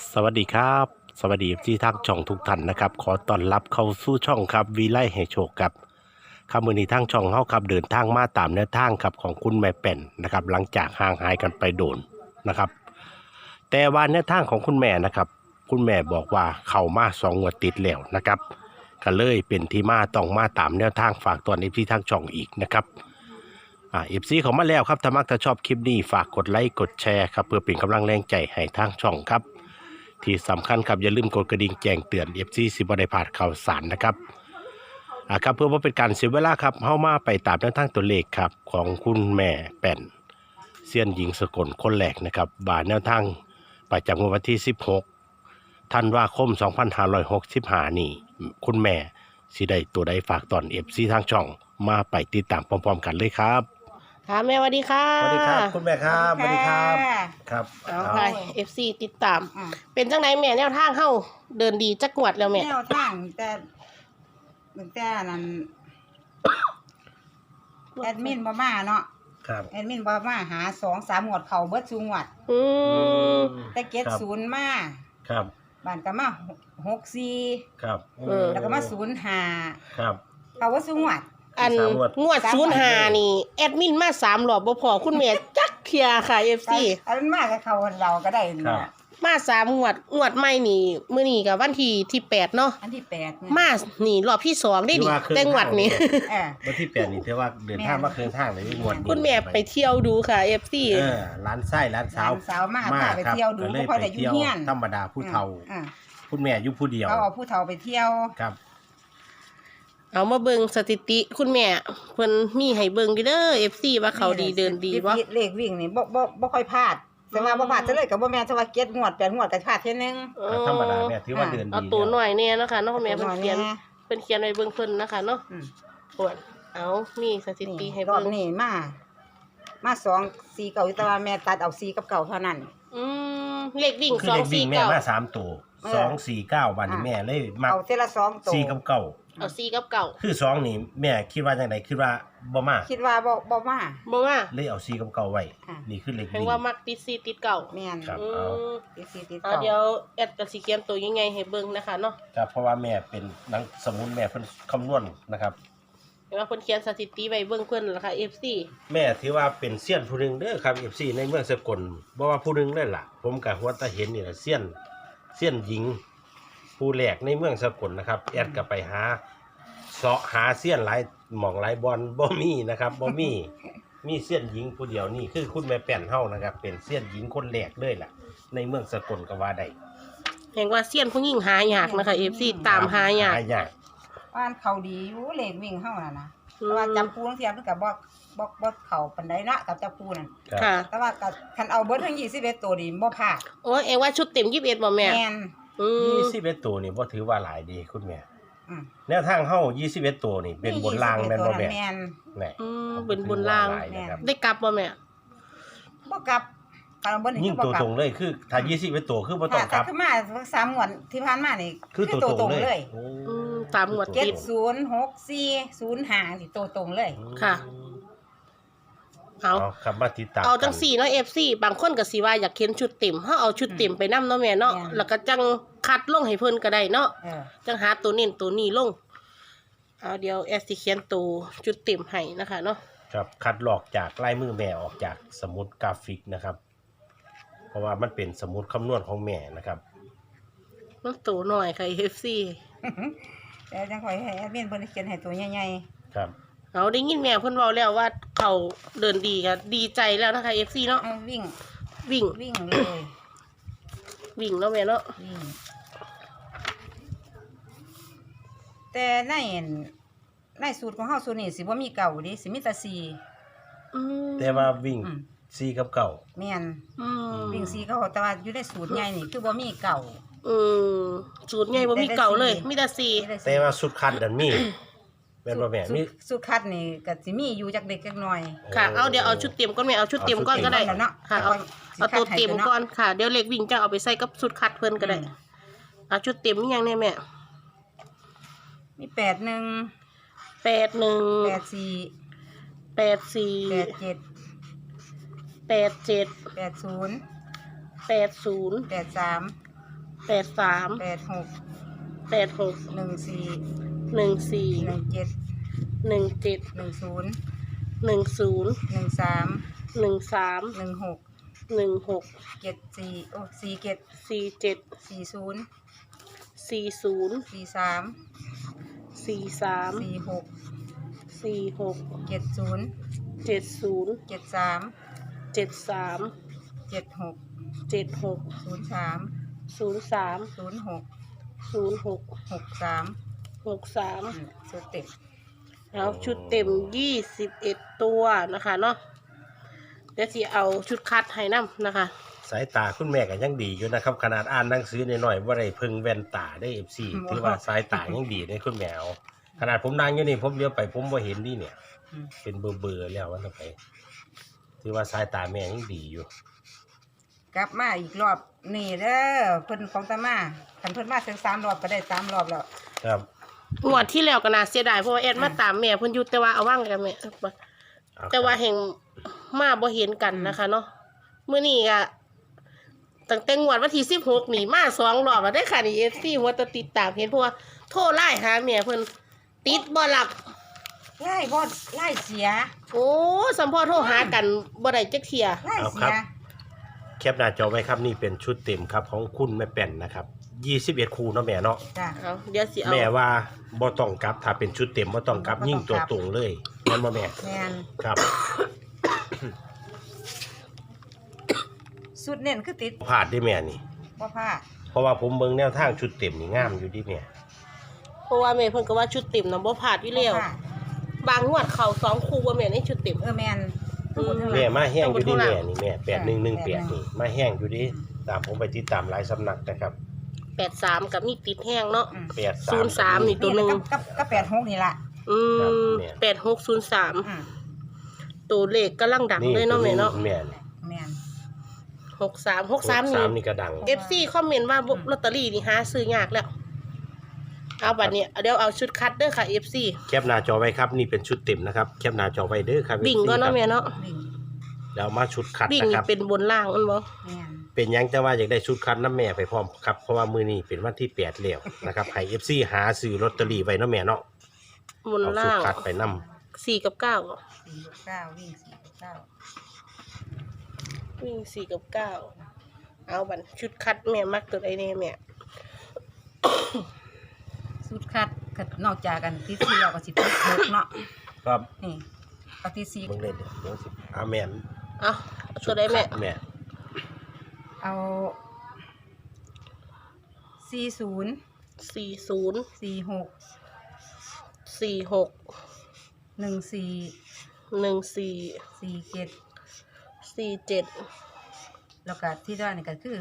สวัสดีครับสวัสดีที่ทางช่องทุกท่านนะครับขอต้อนรับเข้าสู่ช่องครับวีไลให้โชคครับครับมื้อนี้ทางช่องเฮาครับเดินทางมาตามแนวทางครับของคุณแม่แป่นนะครับหลังจากห่างหายกันไปโดนนะครับแต่ว่าแนวทางของคุณแม่นะครับคุณแม่บอกว่าเข้ามา2 งวดติดแล้วนะครับก็เลยเป็นที่มาต้องมาตามแนวทางฝากตอนที่ทางช่องอีกนะครับFC เขามาแล้วครับถ้ามักถ้าชอบคลิปนี้ฝากกดไลค์กดแชร์ครับเพื่อเป็นกำลังแรงใจให้ทางช่องครับที่สำคัญครับอย่าลืมกดกระดิ่งแจ้งเตือน FC สิบ่ได้พลาดข่าวสารนะครับครับเพื่อว่าเป็นการเสียเวลาครับเข้ามาไปตามแนวทางตัวเลขครับของคุณแม่แป่นเซียนหญิงสกลคนแรกนะครับบ่าแนวทางประจำวันที่16ธันวาคม2565นี่คุณแม่สิได้ตัวใดฝากตอน FC ทางช่องมาไปติดตามพร้อมๆกันเลยครับค่ะแม่สวัสดีค่ะสวัสดีครับคุณแม่ครับสวัสดีครับค่ะครับเอาค่ะ FC ติดตามอืมเป็นจังไหนแม่แนวทางเข้าเดินดีจักงวดแล้วแม่แนวทางแต่นั้นแอดมินบ่มาเนาะครับแอดมินบ่มาหา2-3 งวดเขาเบิดซุงวดอืมแต่เก็ดครับ 0มาครับบ้านก็มา64 ครับแล้วก็มา05 ครับเขาว่าซุงวดอันสามงวดงวดสามงวด 05นี่แอดมินมา3รอบบ่พอคุณแม่จักเทียค่ะ FC อันนั้นมากับเขาเราก็ได้นี่ครับล่ะมา3งวดใหม่นี่มื้อนี้ก็วันที่8เนาะอันที่8เนี่ยมานี่รอบที่2ได้ที่ดิว่าเครื่องแต่งวดนี้เออวันที่8นี่ถือว่าเดินทางมาเครื่องทางเลยงวดนี้คุณแม่ไปเที่ยวดูค่ะ FC ร้านไส้ร้านสาวหลานสาวมาพาไปครับเที่ยวดูก็เลยบ่ค่อยได้ไปอยู่เที่ยวเฮียนธรรมดาผู้เฒ่าอ่าคุณแม่อยู่ผู้เดียวเขาเอาผู้เฒ่าไปเที่ยวครับเอามาเบิ่งสถิติคุณแม่เพิ่นมีให้เบิ่งอยู่เด้อ FC ว่าเขาดีเดินดีบ่เลขวิ่งนี่บ่ค่อยพลาดแต่ว่าบ่พลาดจะเลยก็บ่แม่นจะว่า7 งวด 8 งวดก็พลาดเท่ยนึงธรรมดาแม่ถือว่าเดินดีเอาตัวหน่อยเนี่ยนะคะเนาะแม่ตัวเพิ่นหน่อยเขียนแน่เพิ่นเขียนไว้เบิ่งเพิ่นนะคะเนาะอืมปวดเอามีสถิติให้รอเบิ่บงนี้มา2 4 9อยู่แต่ว่าแม่ตัดเอา4กับ9เท่านั้นอืมเลขวิ่งคือเด็กวิ่งแม่มา 2 4 3ตัว249วันนี้แม่เลยมาเอาเทละ2ตัว 4กับ9 9เอา4กับ9 คือ2นี่แม่คิดว่าจังไดคิดว่าบ่มาคิดว่าบ่มาบ่ว่าเลยเอา4กับ9ไว้อ่ะนี่คือเลขแปลวิ่งว่ามักติด4ติด9 แม่นครับอืมติด4ติดเอาเดี๋ยวแอดก็สิเขียนตัวยังไงให้เบิ่งนะคะเนาะครับเพราะว่าแม่เป็นนักสมุนแม่เพิ่นคำนวณนะครับเห็นว่าเพิ่นเขียนสถิติไว้เบิ่งเพิ่นล่ะค่ะ FC แม่ถือว่าเป็นเซียนผู้หนึงเด้อครับ FC ในเมืองสกลบ่ว่าผู้หนึงเลยล่ะ ผมก็หัวตาเห็นนี่ล่ะเซียนหญิง ผู้แรกในเมืองสกลนะครับแอดก็ไปหาเสาะหาเซียนหลายหม่องหลายบอลบ่มีนะครับบ่มีมีเซียนหญิงผู้เดียวนี่คือคุณแม่แป้นเฮานะครับ เป็นเซียนหญิงคนแรกเลยล่ะ ในเมืองสกลก็ว่าได้เห็นว่าเซียนผู้หญิงหายากนะคะ FC ตามหายากหายากว่านเขาดีอยู่เลขวิ่งเฮาน่ะนะอืมแต่ว่าจับปูจังซี่มันก็บ่เข้าปานใดเนาะกับจับปูนั่นครับค่ะแต่ว่าก็คันเอาเบิดทั้ง21ตัวนี่บ่พลาดโอ้ยเอ็งว่าชุดเต็ม21บ่แม่แม่นอืม 21ตัวนี่บ่ถือว่าหลายดีคุณแม่อืมแนวทางเฮา21ตัวนี่เป็นบนรางแม่นบ่แม่แม่นแน่อืมเป็นบนรางหลยนะครับได้กลับบ่แม่บ่กลับคันเอาเบิดนี่ยิ่งคือตัวบ่กลัตบรงเลยคือถ้า21ตัวคือบ่ต้องกถ้าลับขึ้นมา3 งวดที่ผ่านมานี่คือตัวตรงเลยโอ้อืมตามงวด 70 64 05สิตัวตรงเลยค่ะ เอาเอาครับมาติดตามเอาจัง4เนาะ FC บางคนก็สิว่าอยากเห็นชุดเต็มเฮาเอาชุดเต็มไปนำเนาะแม่เนาะแม่นแล้วก็จังคัดลงให้เพิ่นก็ได้เนาะเออจังหาตัวเน้นตัวนี้ลง เอาเดี๋ยวแอดสิเขียนตัวชุดเต็มให้นะคะเนาะครับคัดลอกจากลายมือแม่ออกจากสมุดกราฟิกนะครับ เพราะว่ามันเป็นสมุดคำนวณของแม่นะครับมันตัวหน่อยค่ะ FC แต่จังค่อยให้แอดมินเพิ่นเขียนให้ตัวใหญ่ครับเอาได้ยินแม่เพิ่นเว้าแล้วว่าเขาเดินดีก็ดีใจแล้วนะคะ FC เนาะๆเอาวิ่งวิ่งวิ่งเลยวิ่งเนาะแม่เนาะวิ่งแต่ในสูตรของเฮาสูตรนี้สิบ่มีเก่าเดิสิมีแต่4 อืมแต่ว่าวิ่งอืม 4กับเก่าแม่นอืมวิ่ง4เขาแต่ว่าอยู่ในสูตรใหญ่นี่คือบ่มีเก่าอืมสูตรใหญ่บ่มีเก่าเลย มีแต่สี่มีแต่แต่ว่าสุดคัดดันมีแม่นบ่แม่มีสูตรคัดนี่ก็สิมีอยู่จักเด็กจักหน่อยค่ะ เอาเดี๋ยวเอาชุดเต็มก่อนแม่เอาชุดเต็มก่อนก็ได้เอาชุดเต็มก่อนแล้วเนาะค่ะ เอาตัวเต็มสิคัดให้เพิ่นเนาะก่อนค่ะ เดี๋ยวเล็กวิ่งจะเอาไปใส่กับสุดคัดเพิ่นก็ได้ เอาชุดเต็มมีหยังแน่แม่มี81 81 84 84 87 87 80 80 83 83 86 86 14 14 17 17 10 10 13 13 16 16 74โอ้47 47 40 40 43 43 46 46 70 70 73 73 76 76 03 03 06 06 63 63 สุดเต็มแล้วชุดเต็ม21ตัวนะคะเนาะเดี๋ยวสิเอาชุดคัดให้นำนะคะสายตาคุณแม่ก็ยังดีอยู่นะครับขนาดอ่านหนังสือหน่อยๆว่าได้เพิ่งแว่นตาได้ FC ถือว่าสายตายังดีได้คุณแม่เอาขนาดผมนั่งอยู่นี่ผมเลี้ยวไปผมบ่เห็นนี่เนี่ย เป็นเบอร์แล้วว่าไปถือว่าสายตาแม่ยังดีอยู่กลับมาอีกรอบนี่เด้อเพิ่นของตามาคันเพิ่นมาถึง3รอบก็ได้3รอบแล้วครับงวดที่แล้วก็น่าเสียดายเพราะว่าแอดมาตามแม่เพิ่นอยู่แต่ว่าเอาว่างกันแม่แต่ว่าแห่งมาบ่เห็นกันนะคะเนาะมื้อนี้ก็ตั้งแต่งวดวันที่16นี่มา2รอบแล้วได้ค่ะนี่ FC หัวตะติดตามเห็นเพราะว่าโทรไลน์หาแม่เพิ่นติดบ่หลับไล่บ่ไล่เสียโอ้สัมพ่อโทรหากันบ่ได้จักเที่ยไล่เสียแคปหน้าจอไว้ครับนี่เป็นชุดเต็มครับของคุณแม่แป่นนะครับ21คู่เนาะแม่เนาะจ้ะเอาเดี๋ยวสิเอาแม่ว่าบ่ต้องกลับถ้าเป็นชุดเต็มบ่ต้องกลับยิ่งตัวตรงเลยนั่นบ่แม่แม่นครับสุดเน้นคือติดพลาดได้แม่นี่บ่พลาดเพราะว่าผมเบิ่งแนวทางชุดเต็มนี่งามอยู่ดิแม่เพราะว่าแม่เพิ่นก็ว่าชุดเต็มนำบ่พลาดอยู่แล้วบ่พลาดบางงวดเข้า2คู่บ่แม่ในชุดเต็มแม่นแม่มาแห้งอยู่ดิต้องบนแม่ข้างหลังนี่แม่8118นี่มาแห้งอยู่ดิตามผมไปติดตามหลายสำนักนะครับ 83กับมีติดแห้งเนาะ 83 03นี่ ตัวหนึ่งกับ86นี่ล่ะอืครับมแม่ 8603 อืมตัวเลขกำลังดังเลยเนาะแม่เนาะแม่นี่แม่น 63 นี่นี่ก็ดัง FC คอมเมนต์ว่าลอตเตอรี่นี่หาซื้อยากแล้ว เอาบัดนี้เดี๋ยวเอาชุดคัดเด้อค่ะ FC แคปหน้าจอไว้ครับนี่เป็นชุดเต็มนะครับแคปหน้าจอไว้เด้อครับบิ่งก็เนาะแม่เนาะวิ่งแล้วมาชุดคัดบิ่งนะคนี่รับเป็นบนล่างมันบ่แม่นเป็นหยังแต่ว่าอยากได้ชุดคัดน้ำแม่ไปพร้อมครับเพราะว่ามื้อนี้เป็นวันที่8แล้วนะครับให้ FC หาซื้อลอตเตอรี่ไว้เนาะแม่เนาะบนเอาชุดล่างคัดไปนํ 4กับ9 4-9วิ่ง4-9 วิ่ง4กับ9เอาบัดชุดคัดแม่มักตัวใดแน่แม่สุดคัดนอกจากกันที่4แล้วก็สิติด6เนาะครับนี่ก็ที่4 เบิ่งเลยเดี๋ยวสิแม่นเอาตัวใดแม่แม่เอา40 40 46 46 14 14 47 47 แล้วก็ที่ด้านนี่ก็คือ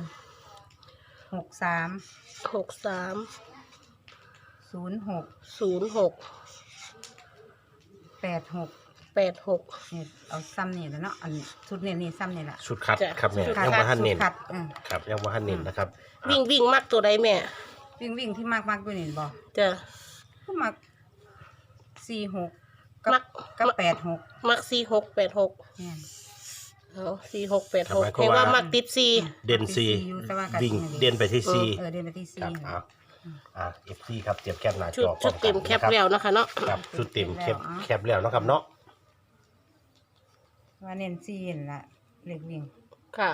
63 63 06 06 86 86 นี่เอาซ้ำนี่แหล้วเนาะอันชุดเน้นนี่ซ้ำนี่แหละชุดคัดจ้ะครับแม่ชุดคัดยังบ่ทันเน้นชุดคัดครับยังบ่ทันเน้นนะครับวิ่งมักตัวใดแม่วิ่งที่มากด้วยนี่บ่จ้ะก็มัก46 มักกับ86 มัก46 86 เนี่ยเอา46 ครับหมาย 86 ความเห็นว่าว่ามักติด4 เด่นซีอยู่แต่ว่าก็วิ่งเด่นไปที่ซีเดินไปที่ครับFC ครับเตรียมแคปหน้าชุจดอพร้ชุอดมกัเต็นมแคปนะครับแล้วนะคะเนาะครับชุดเต็มแคปแล้วเนาะครับเนาะว่าเน้นซีนล่ะเล็กวิ่งค่ะ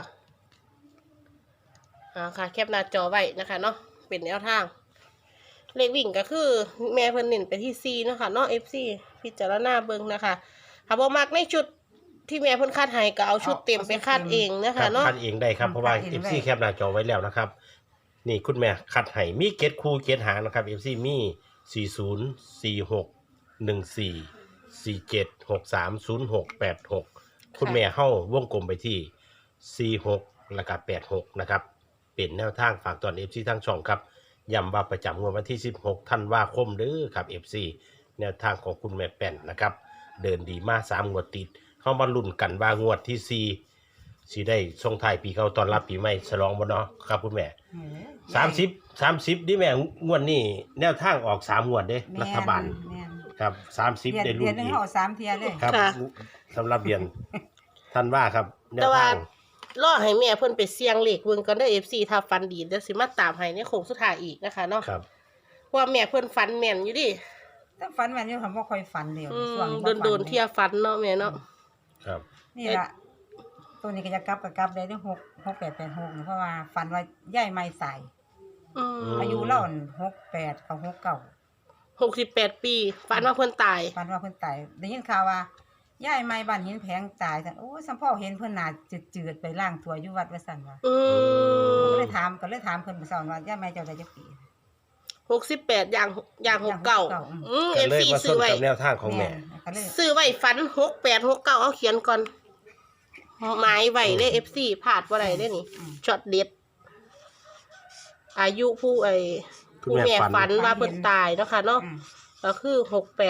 ค่ะ แคปหน้าจอไว้นะคะเนาะเป็นแนวทาง เลขวิ่งก็คือ แม่เพิ่นเน้นไปที่ C นะคะเนาะ FC พิจารณาเบิ่งนะคะถ้าบ่มักในชุดที่แม่เพิ่นคาดให้ก็เอาชุดเต็มไปคาดเองนะครัคะบเนาะคัดเองได้ครับเพราะว่า FC แคปหน้าจอไว้แล้วนะครับ นี่คุณแม่คัดให้มีเกตคู่เกตหางนะครับ FC มี40 46 14 47 63 06 86คุณแม่เฮาวงกลมไปที่46แล้วก็86นะครับเป็นแนวทางฝากตอน FC ทั้งช่องครับย้ำว่าประจำงวดวันที่16ธันวาคมเด้อครับ FC แนวทางของคุณแม่แป่นนะครับเดินดีมา3งวดติดเข้ามาลุ้นกันว่างวดที่4สิได้ส่งท้ายปีเก่าต้อนรับปีใหม่ฉลองบ่เนาะครับคุณแม่30ดิแม่งวดนี้แนวทางออก3งวดเด้รัฐบาลแม่นครับ30ได้เดืลุ้อน นหนึงอีกเอา3เที่ยเลยครับค่ะสำหรับเดือนท่านว่าครับแนวแต่ว่าทางรอให้แม่เพิ่นไปเสี่ยงเลขเบิ่งก่อนเด้อ FC ถ้าฝันดีเดี๋ยวสิมาตามให้ในโค้งสุดท้ายอีกนะคะเนาะครับเพราะว่าแม่เพิ่นฝันแม่นอยู่ดิแต่ฝันแม่นอยู่ค่ะบ่ค่อยฝันเดียวช่วงบ่ฝัโดนๆเที่ยฝันเนาะแม่เนาะครับนี่ล่ะตัวนี้ก็จะกลับก็กลับได้ด้วย6886เพราะว่าฝันว่ายายไม่ใส่อืมอายุเล่า68กับ69 68 ปีฝันว่าเพิ่นตายฝันว่าเพิ่นตายได้ยินข่าวว่ายายไม่บ้านหินแพงตายซั่นโอ้ยสัมพ่อเห็นเพิ่นน่าจืดๆไปล้างตัวอยู่วัดว่าซั่นว่าอืมก็เลยถามเพิ่นไปสอนว่ายายไม่เจ้าได้จักปี 68อย่าง69อืมก็เลย FC มาซื้ส้อน ไว้กับแนวทางของแม่ก็เลยซื้อไว้ฝัน6869เอาเขียนก่อนหมายไว้เด้อ FC พลาดบ่ได้เด้อนี่ช็อตเด็ดอายุผู้ผู้แม่ฝันว่าเพิ่นตายเนาะค่ะเนาะอืมก็คือ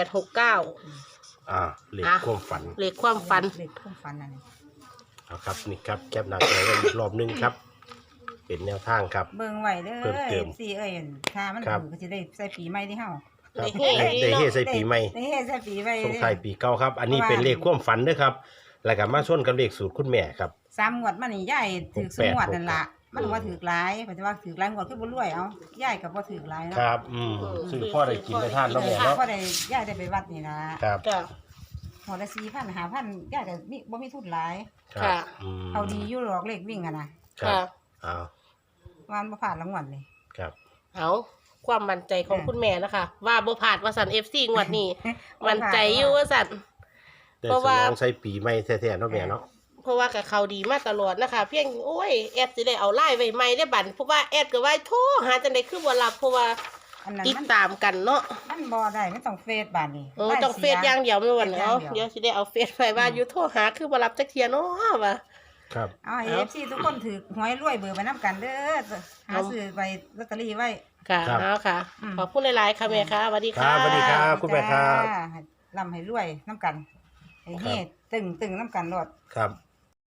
6869 เลขความฝันเลขความฝันเลขความฝันนั่นนี่เอาครับนี่ครับแคปหน้าจอไว้อีกรอบหนึงครับ เป็นแนวทางครับเบิ่งไว้เด้อเพิ่มเติมสิเอ้ยถ้ามันครับถูกก็สิได้ใส่ปีใหม่ที่เฮาครับได้เฮ้ได้เฮใส่ปีใหม่ได้เฮ็ดใส่ปีใหม่ส่งท้ายปีเก่าครับ อันนี้เป็นเลขความฝันเด้วยครับ แล้วก็มาชนกับเลขสูตรคุณแม่ครับ 3งวดมานี่ยายถือ 68 สงวดนั่นล่ะมันว่าถือหลายเพิ่นจะว่าถือหลายงวดคือบ่รวยเอายายก็บ่ถือหลายเนาะครับซื้อพ่อได้กินได้ทานเนาะแม่เนาะพอได้ยายได้ไปวัดนี่ล่ะครับจ้ะหัวละ4,000 5,000ยายก็มีบ่มีทุนหลายครับค่ะเอาดีอยู่หรอกเลขวิ่งอะนะครับค่ะเอาว่ามันบ่ผ่านรางวัลเลยครับเอาความมั่นใจของคุณแม่นะคะ ว่าบ่ผ่านว่าสัน FC งวดนี้ มั่นใจอยู่ว่าสันได้เพราะสว่ามองใส่ปีใหม่แท้ๆเนาะแม่เนาะเพราะว่ากับเขาดีมาตลอดนะคะ เพียงโอ้ยแอดสิได้เอาไล่ไว้ใหม่ได้บัดเพราะว่าแอดก็ว่าโทรหาจังได๋คือบ่รับเพราะว่าอันนั้นติดมันตามกันเนาะมันบ่ได้มันต้องเฟซบาดนี้โอ้ต้องเฟซอย่างเดียวไม่วันเนาะเฟซอย่างเดี๋เดียยว วสิได้เอาเฟซไปว่าอยู่โทรหาคือบ่รับจักเที่ยเนาะว่าครับเอาให้ FC ทุกคนถือหวยรวยเบอร์ไปนํกันเด้อหาซื้อไปลอตเตอรี่ไว้ค่ะครับเอาค่ะอืมขอบคุณหลายๆค่ะแม่ค่ะสวัสดีครัค่ะบสวัสดีครับ คุณแม่ครับจ้าให้ร่ำให้รวยนํกันให้เฮ็ดตึงๆนํกันโลดครับ